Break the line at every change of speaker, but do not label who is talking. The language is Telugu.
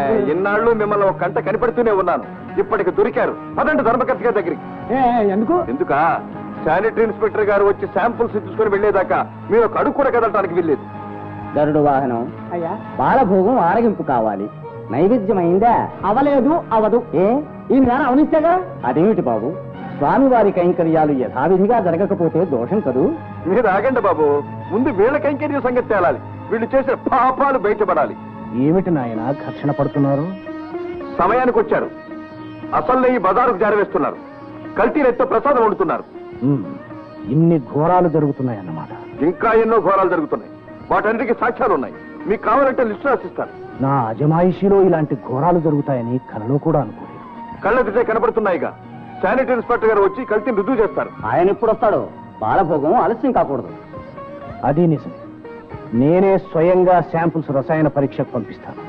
ఇన్నాళ్ళు మిమ్మల్ని ఒక కంట కనిపెడుతూనే ఉన్నాను. ఇప్పటికి దొరికారు. పదండి ధర్మకర్త గారి దగ్గరికి. ఎందుకా? శానిటరీ ఇన్స్పెక్టర్ గారు వచ్చి శాంపుల్స్ తీసుకుని వెళ్లేదాకా మీరు ఒక అడుగు కూడా కదలటానికి వెళ్ళలేదు.
గరుడు వాహనం అయ్యా, బాలభోగం ఆరగింపు కావాలి. నైవేద్యం అయిందా? అవలేదు, అవదు. ఈ నేర అవనిస్తేగా. అదేమిటి బాబు, స్వామివారి కైంకర్యాలు యథావిధిగా జరగకపోతే దోషం కదూ.
మీరు ఆగండి బాబు, ముందు వీళ్ళ కైంకర్య సంగతి తేలాలి. వీళ్ళు చేసే పాపాలు బయటపడాలి.
ఏమిటి నాయన ఘర్షణ పడుతున్నారు?
సమయానికి వచ్చారు. అసలు ఈ బజారుకు జారవేస్తున్నారు. కల్తీరెత్తో ప్రసాదం వండుతున్నారు.
ఇన్ని ఘోరాలు జరుగుతున్నాయన్నమాట.
ఇంకా ఎన్నో ఘోరాలు జరుగుతున్నాయి. వాటన్నిటికీ సాక్ష్యాలు ఉన్నాయి. మీకు కావాలంటే లిస్టు రాసిస్తాను.
నా అజమాయిషీలో ఇలాంటి ఘోరాలు జరుగుతాయని కలలో కూడా అనుకోలేదు.
కళ్ళెదిటే కనబడుతున్నాయిగా. శానిటరీ ఇన్స్పెక్టర్ గారు వచ్చి కల్తీని రుజువు చేస్తారు.
ఆయన ఎప్పుడు వస్తాడో? బాలభోగం ఆలస్యం కాకూడదు.
అది నిజం. నేనే స్వయంగా శాంపుల్స్ రసాయన పరీక్షకు పంపిస్తాను.